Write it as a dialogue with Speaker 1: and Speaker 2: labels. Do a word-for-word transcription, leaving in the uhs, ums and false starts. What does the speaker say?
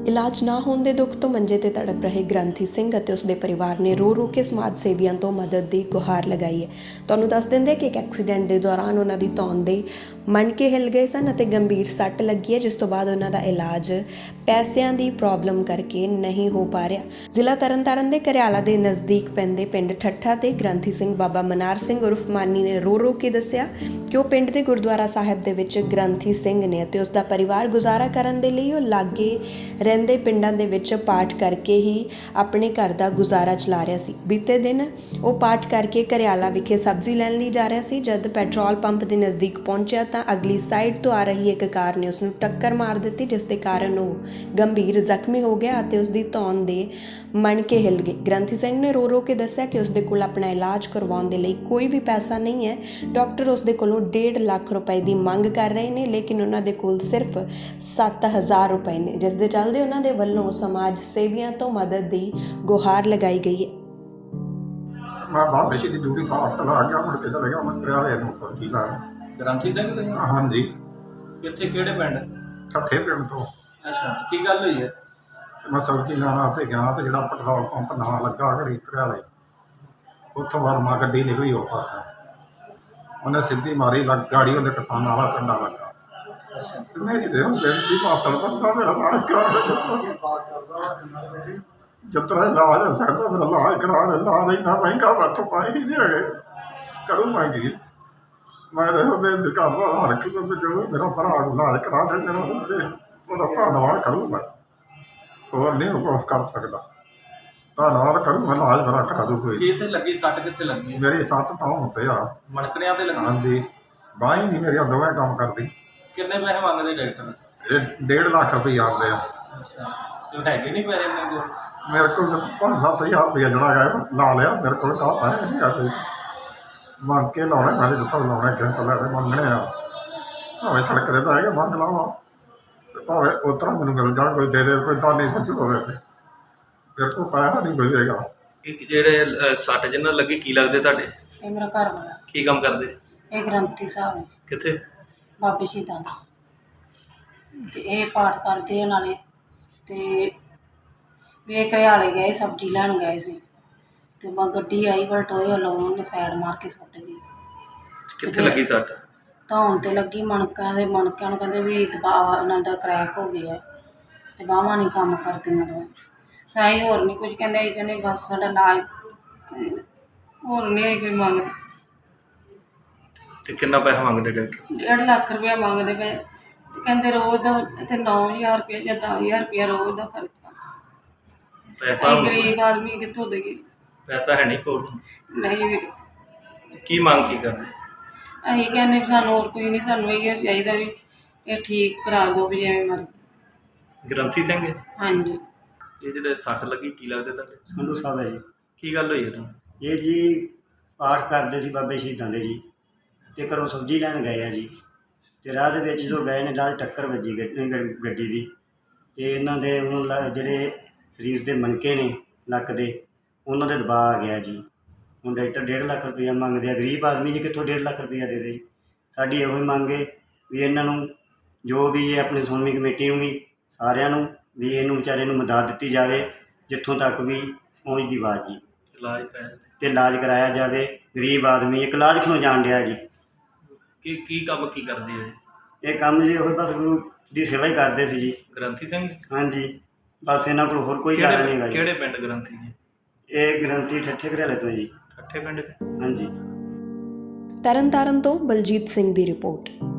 Speaker 1: ਇਲਾਜ ਨਾ ਹੋਣ ਦੇ ਦੁੱਖ ਤੋਂ ਮੰਜੇ ਤੇ ਤੜਪ ਰਹੇ ਗ੍ਰੰਥੀ ਸਿੰਘ ਅਤੇ ਉਸਦੇ ਪਰਿਵਾਰ ਨੇ ਰੋ ਰੋ ਕੇ ਸਮਾਜ ਸੇਵੀਆਂ ਤੋਂ ਮਦਦ ਦੀ ਗੁਹਾਰ ਲਗਾਈ ਹੈ। ਤੁਹਾਨੂੰ ਦੱਸ ਦਿੰਦੇ ਕਿ ਇੱਕ ਐਕਸੀਡੈਂਟ ਦੇ ਦੌਰਾਨ ਉਹਨਾਂ ਦੀ ਧੌਣ ਦੇ ਮਣਕੇ ਹਿੱਲ ਗਏ ਸਨ ਅਤੇ ਗੰਭੀਰ ਸੱਟ ਲੱਗੀ ਹੈ, ਜਿਸ ਤੋਂ ਬਾਅਦ ਉਹਨਾਂ ਦਾ ਇਲਾਜ ਪੈਸਿਆਂ ਦੀ ਪ੍ਰੋਬਲਮ ਕਰਕੇ ਨਹੀਂ ਹੋ ਪਾ ਰਿਹਾ। ਜ਼ਿਲ੍ਹਾ ਤਰਨਤਾਰਨ ਦੇ ਘਰਿਆਲਾ ਦੇ ਨਜ਼ਦੀਕ ਪੈਂਦੇ ਪਿੰਡ ਠੱਠਾ ਤੇ ਗ੍ਰੰਥੀ ਸਿੰਘ ਬਾਬਾ ਮਨਾਰ ਸਿੰਘ ਉਰਫ ਮਾਨੀ ਨੇ ਰੋ ਰੋ ਕੇ ਦੱਸਿਆ ਕਿ ਉਹ ਪਿੰਡ ਦੇ ਗੁਰਦੁਆਰਾ ਸਾਹਿਬ ਦੇ ਵਿੱਚ ਗ੍ਰੰਥੀ ਸਿੰਘ ਨੇ ਅਤੇ ਉਸਦਾ ਪਰਿਵਾਰ ਗੁਜ਼ਾਰਾ ਕਰਨ ਦੇ ਲਈ ਉਹ ਲਾਗੇ ਰਹਿੰਦੇ ਪਿੰਡਾਂ ਦੇ ਵਿੱਚ ਪਾਠ ਕਰਕੇ ਹੀ ਆਪਣੇ ਘਰ ਦਾ ਗੁਜ਼ਾਰਾ ਚਲਾ ਰਿਹਾ ਸੀ। ਬੀਤੇ ਦਿਨ ਉਹ ਪਾਠ ਕਰਕੇ ਘਰਿਆਲਾ ਵਿਖੇ ਸਬਜ਼ੀ ਲੈਣ ਲਈ ਜਾ ਰਿਹਾ ਸੀ। ਜਦ ਪੈਟਰੋਲ ਪੰਪ ਦੇ ਨਜ਼ਦੀਕ ਪਹੁੰਚਿਆ ਤਾਂ ਅਗਲੀ ਸਾਈਡ ਤੋਂ ਆ ਰਹੀ ਇੱਕ ਕਾਰ ਨੇ ਉਸ ਨੂੰ ਟੱਕਰ ਮਾਰ ਦਿੱਤੀ, ਜਿਸ ਦੇ ਕਾਰਨ ਉਹ ਗੰਭੀਰ ਜ਼ਖਮੀ ਹੋ ਗਿਆ ਅਤੇ ਉਸ ਦੀ ਧੌਣ ਦੇ ਮਣਕੇ ਹਿੱਲ ਗਏ। ਗ੍ਰੰਥੀ ਸਿੰਘ ਨੇ ਰੋ ਰੋ ਕੇ ਦੱਸਿਆ ਕਿ ਉਸ ਦੇ ਕੋਲ ਆਪਣਾ ਇਲਾਜ ਕਰਵਾਉਣ ਦੇ ਲਈ ਕੋਈ ਵੀ ਪੈਸਾ ਨਹੀਂ ਹੈ। ਡਾਕਟਰ ਉਸ ਦੇ ਕੋਲੋਂ ਡੇਢ ਲੱਖ ਰੁਪਏ ਦੀ ਮੰਗ ਕਰ ਰਹੇ ਨੇ, ਲੇਕਿਨ ਉਹਨਾਂ ਦੇ ਕੋਲ ਸਿਰਫ ਸੱਤ ਹਜ਼ਾਰ ਰੁਪਏ ਨੇ, ਜਿਸ ਦੇ ਚੱਲਦੇ ਉਹਨਾਂ ਦੇ ਵੱਲੋਂ ਸਮਾਜ ਸੇਵੀਆਂ ਤੋਂ ਮਦਦ ਦੀ ਗੁਹਾਰ ਲਗਾਈ ਗਈ ਹੈ।
Speaker 2: मैं बाबे की ड्यूटी पाठ चला गया, मुड़ के चले गया मैं करियाले ਨੂੰ ਸਬਜ਼ੀ ਲੈਣ।
Speaker 3: ਗ੍ਰੰਥੀ ਸਿੰਘ ਤੇ
Speaker 2: ਹਾਂਜੀ,
Speaker 3: ਕਿੱਥੇ ਕਿਹੜੇ ਪਿੰਡ?
Speaker 2: ਠੱਠੇ ਪਿੰਡ ਤੋਂ।
Speaker 3: ਅੱਛਾ, ਕੀ ਗੱਲ ਹੋਈ ਹੈ?
Speaker 2: ਮੈਂ ਸਬਜ਼ੀ ਲੈਣ ਵਾਸਤੇ ਗਿਆ ਤੇ ਜਿਹੜਾ ਪੈਟਰੋਲ ਪੰਪ ਨਵਾਂ ਲੱਗਾ ਘੜੀ ਕਰਿਆਲੇ, ਉੱਥੋਂ ਵਰਮਾ ਗੱਡੀ ਨਿਕਲੀ ਉਹ ਪਾਸੇ, ਉਹਨੇ ਸਿੱਧੀ ਮਾਰੀ ਲੱਗ ਗਾੜੀ, ਉਹਦੇ ਕਿਸਾਨਾਂ ਵਾਲਾ ਝੰਡਾ ਲੱਗਾ ਤੇ ਮੇਰੀ ਦੇ ਬੇਨਤੀ ਮਾਤਲ ਬੰਦਾ ਮੇਰਾ ਇਲਾਜ ਕਰਾ ਦੇ, ਜਿਤਨਾ ਇਲਾਜ ਹੋ ਸਕਦਾ ਮੇਰਾ ਇਲਾਜ ਕਰਾ ਦੇ। ਇਲਾਜ ਇੰਨਾ ਮਹਿੰਗਾ ਮੈਥੋਂ ਪਾਏ ਹੀ ਨਹੀਂ ਹੈਗੇ, ਕਰੂ ਮਹਿੰਗੀ। ਮੈਂ ਤਾਂ ਬੇਨਤੀ ਕਰਦਾ ਹਰ ਇੱਕ ਨੂੰ ਜੋ ਮੇਰਾ ਭਰਾ ਨੂੰ ਇਲਾਜ ਕਰਾ ਦੇ, ਮੇਰਾ ਉਹਦਾ ਧੰਨਵਾਦ ਕਰੂ। ਮੈਂ ਹੋਰ ਨਹੀਂ ਕੁਛ ਕਰ ਸਕਦਾ, ਧੰਨਵਾਦ ਕਰੂ। ਮੈਂ ਇਲਾਜ ਮੇਰਾ ਕਰਾ ਦੂ ਕੋਈ।
Speaker 3: ਕਿੱਥੇ ਲੱਗੀ ਸੱਟ? ਕਿੱਥੇ ਲੱਗੀ?
Speaker 2: ਮੇਰੀ ਸੱਟ ਤਾਂ ਹੁੰਦੇ ਆ
Speaker 3: ਮਣਕਣਿਆਂ ਤੇ ਲੱਗੀ?
Speaker 2: ਹਾਂਜੀ, ਬਾਂਹ ਹੀ ਨਹੀਂ ਮੇਰੀਆਂ ਦੋਵੇਂ ਕੰਮ ਕਰਦੀ।
Speaker 3: ਕਿੰਨੇ ਪੈਸੇ ਮੰਗਦੇ ਡਾਕਟਰ?
Speaker 2: ਇਹ ਡੇਢ ਲੱਖ ਰੁਪਏ ਆਉਂਦੇ ਆ।
Speaker 3: ਤੇ ਹੈਗੇ ਨਹੀਂ ਪੈਸੇ ਇਹਨਾਂ ਕੋਲ?
Speaker 2: ਮੇਰੇ ਕੋਲ ਤਾਂ ਪੰਜ ਸੱਤ ਹਜ਼ਾਰ ਰੁਪਇਆ ਜਿਹੜਾ ਹੈਗਾ ਲਾ ਲਿਆ, ਮੇਰੇ ਕੋਲ ਤਾਂ ਪੈਸੇ ਨਹੀਂ ਆ ਕੋਈ। ਮੰਗ ਕੇ ਲਾਉਣੇ ਮੈਂ ਜਿੱਥੋਂ ਲਾਉਣੇ ਕਿਸੇ ਤੋਂ ਲੈਣੇ ਮੰਗਣੇ ਆ, ਭਾਵੇਂ ਸੜਕ ਦੇ ਪੈ ਕੇ ਮੰਗ ਲਾਵਾਂ, ਭਾਵੇਂ ਉਸ ਤਰ੍ਹਾਂ ਮੈਨੂੰ ਮਿਲ ਜਾਣ, ਕੋਈ ਦੇ ਦੇ, ਕੋਈ ਦਾਨੀ ਸੱਜਣ ਹੋਵੇ ਤੇ ਮੇਰੇ ਕੋਲ ਪੈਸਾ ਨਹੀਂ ਕੋਈ ਹੋਵੇਗਾ।
Speaker 3: ਇਹ ਜਿਹੜੇ ਸੱਟ ਜਿੰਨਾਂ ਲੱਗੀ ਕੀ ਲੱਗਦੇ ਤੁਹਾਡੇ?
Speaker 4: ਇਹ ਮੇਰਾ ਘਰ ਵਾਲਾ।
Speaker 3: ਕੀ ਕੰਮ ਕਰਦੇ?
Speaker 4: ਇਹ ਗ੍ਰੰਥੀ ਸਾਹਿਬ ਹੈ,
Speaker 3: ਕਿੱਥੇ?
Speaker 4: ਬਾਬੇ ਸ਼ਹੀਦਾਂ ਦਾ। ਤੇ ਇਹ ਪਾਠ ਕਰਦੇ ਆ ਨਾਲੇ, ਤੇ ਵੀ ਇਹ ਘਰਿਆਲੇ ਗਏ ਸਬਜ਼ੀ ਲੈਣ ਗਏ ਸੀ, ਤੇ ਮੈਂ ਗੱਡੀ ਆਈ ਬਲਟੋਏ ਲਾਉਣ ਨੇ ਸਾਈਡ ਮਾਰ ਕੇ ਸੁੱਟ ਗਈ।
Speaker 3: ਕਿੱਥੇ ਲੱਗੀ ਸੱਟ?
Speaker 4: ਧੌਣ ਤੇ ਲੱਗੀ, ਮਣਕਿਆਂ ਦੇ ਮਣਕਿਆਂ ਨੂੰ ਕਹਿੰਦੇ ਵੀ ਦਬਾਅ ਉਹਨਾਂ ਦਾ ਕਰੈਕ ਹੋ ਗਿਆ ਤੇ ਬਾਹਾਂ ਨਹੀਂ ਕੰਮ ਕਰਦੀਆਂ। ਦੋ ਸਾਈ ਹੋਰ ਨਹੀਂ ਕੁਝ ਕਹਿੰਦੇ, ਇਹ ਕਹਿੰਦੇ ਬਸ ਸਾਡਾ ਇਲਾਜ, ਹੋਰ ਨਹੀਂ ਕੋਈ ਮੰਗਦੇ।
Speaker 3: ਤੇ ਕਿੰਨਾ ਪੈਸਾ ਮੰਗਦੇ ਡਾਕਟਰ?
Speaker 4: ਡੇਢ ਲੱਖ ਰੁਪਇਆ ਮੰਗਦੇ ਪਏ ਤੇ ਕਹਿੰਦੇ ਰੋਜ਼ ਦਾ ਇੱਥੇ ਨੌ ਹਜ਼ਾਰ ਰੁਪਇਆ ਜਾਂ ਦਸ ਹਜ਼ਾਰ ਰੁਪਇਆ ਰੋਜ਼ ਦਾ ਖਰਚਾ।
Speaker 3: ਪੈਸਾ
Speaker 4: ਅਸੀਂ ਗਰੀਬ ਆਦਮੀ ਕਿੱਥੋਂ ਦੇਈਏ?
Speaker 3: ਪੈਸਾ ਹੈ ਨਹੀਂ ਕੋਲ?
Speaker 4: ਨਹੀਂ ਵੀਰੇ,
Speaker 3: ਕੀ ਮੰਗ ਕੀ ਕਰਦੇ?
Speaker 4: ਅਸੀਂ ਕਹਿੰਦੇ ਵੀ ਸਾਨੂੰ ਹੋਰ ਕੋਈ ਨਹੀਂ, ਸਾਨੂੰ ਇਹ ਚਾਹੀਦਾ ਵੀ ਇਹ ਠੀਕ ਕਰਾ ਦਿਓ ਵੀ ਜਿਵੇਂ ਮਰ।
Speaker 3: ਗ੍ਰੰਥੀ ਸਿੰਘ?
Speaker 4: ਹਾਂਜੀ।
Speaker 3: ਇਹ ਜਿਹੜੇ ਸੱਟ ਲੱਗੀ ਕੀ ਲੱਗਦੇ ਤੁਹਾਡੇ?
Speaker 5: ਸੰਧੂ ਸਾਹਿਬ ਹੈ ਜੀ।
Speaker 3: ਕੀ ਗੱਲ ਹੋਈ ਹੈ ਤੁਹਾਨੂੰ?
Speaker 5: ਇਹ ਜੀ ਪਾਠ ਕਰਦੇ ਸੀ ਬਾਬੇ ਸ਼ਹੀਦਾਂ ਦੇ ਜੀ, ਅਤੇ ਘਰੋਂ ਸਬਜ਼ੀ ਲੈਣ ਗਏ ਆ ਜੀ, ਅਤੇ ਰਾਹ ਦੇ ਵਿੱਚ ਜਦੋਂ ਗਏ ਨੇ ਨਾਲ ਟੱਕਰ ਵੱਜੀ ਗੱਡੀ ਦੀ, ਅਤੇ ਇਹਨਾਂ ਦੇ ਹੁਣ ਜਿਹੜੇ ਸਰੀਰ ਦੇ ਮਣਕੇ ਨੇ ਲੱਕ ਦੇ, ਉਹਨਾਂ ਦੇ ਦਬਾਅ ਆ ਗਿਆ ਜੀ। ਹੁਣ ਡਾਕਟਰ ਡੇਢ ਲੱਖ ਰੁਪਈਆ ਮੰਗਦੇ ਆ, ਗਰੀਬ ਆਦਮੀ ਜੀ ਕਿੱਥੋਂ ਡੇਢ ਲੱਖ ਰੁਪਈਆ ਦੇ ਦੇ ਜੀ। ਸਾਡੀ ਇਹੋ ਹੀ ਮੰਗ ਹੈ ਵੀ ਇਹਨਾਂ ਨੂੰ ਜੋ ਵੀ ਇਹ ਆਪਣੀ ਸੁਣਮੀ ਕਮੇਟੀ ਨੂੰ ਵੀ ਸਾਰਿਆਂ ਨੂੰ ਵੀ ਇਹਨੂੰ ਵਿਚਾਰੇ ਨੂੰ ਮਦਦ ਦਿੱਤੀ ਜਾਵੇ, ਜਿੱਥੋਂ ਤੱਕ ਵੀ ਪਹੁੰਚਦੀ ਆਵਾਜ਼ ਜੀ,
Speaker 3: ਇਲਾਜ ਕਰਾਇਆ
Speaker 5: ਅਤੇ ਇਲਾਜ ਕਰਾਇਆ ਜਾਵੇ। ਗਰੀਬ ਆਦਮੀ ਇੱਕ ਇਲਾਜ ਕਿਉਂ ਜਾਣ ਡਿਆ ਜੀ।
Speaker 3: ਕੀ ਕੀ ਕੰਮ ਕੀ ਕਰਦੇ ਆ?
Speaker 5: ਇਹ ਕੰਮ ਜੀ ਉਹ ਬਸ ਗੁਰੂ ਦੀ ਸੇਵਾ ਹੀ ਕਰਦੇ ਸੀ ਜੀ।
Speaker 3: ਗ੍ਰੰਥੀ ਸਿੰਘ?
Speaker 5: ਹਾਂਜੀ, ਬਸ ਇਹਨਾਂ ਕੋਲ ਹੋਰ ਕੋਈ ਕਾਰਨ ਨਹੀਂ ਹੈਗਾ ਜੀ।
Speaker 3: ਕਿਹੜੇ ਪਿੰਡ ਗ੍ਰੰਥੀ ਜੀ?
Speaker 5: ਇਹ ਗ੍ਰੰਥੀ ਠੱਠੇ ਘਰਿਆਲੇ ਤੋਂ ਜੀ।
Speaker 3: ਠੱਠੇ ਪਿੰਡ 'ਚ?
Speaker 5: ਹਾਂਜੀ।
Speaker 1: ਤਰਨਤਾਰਨ ਤੋਂ ਬਲਜੀਤ ਸਿੰਘ ਦੀ ਰਿਪੋਰਟ।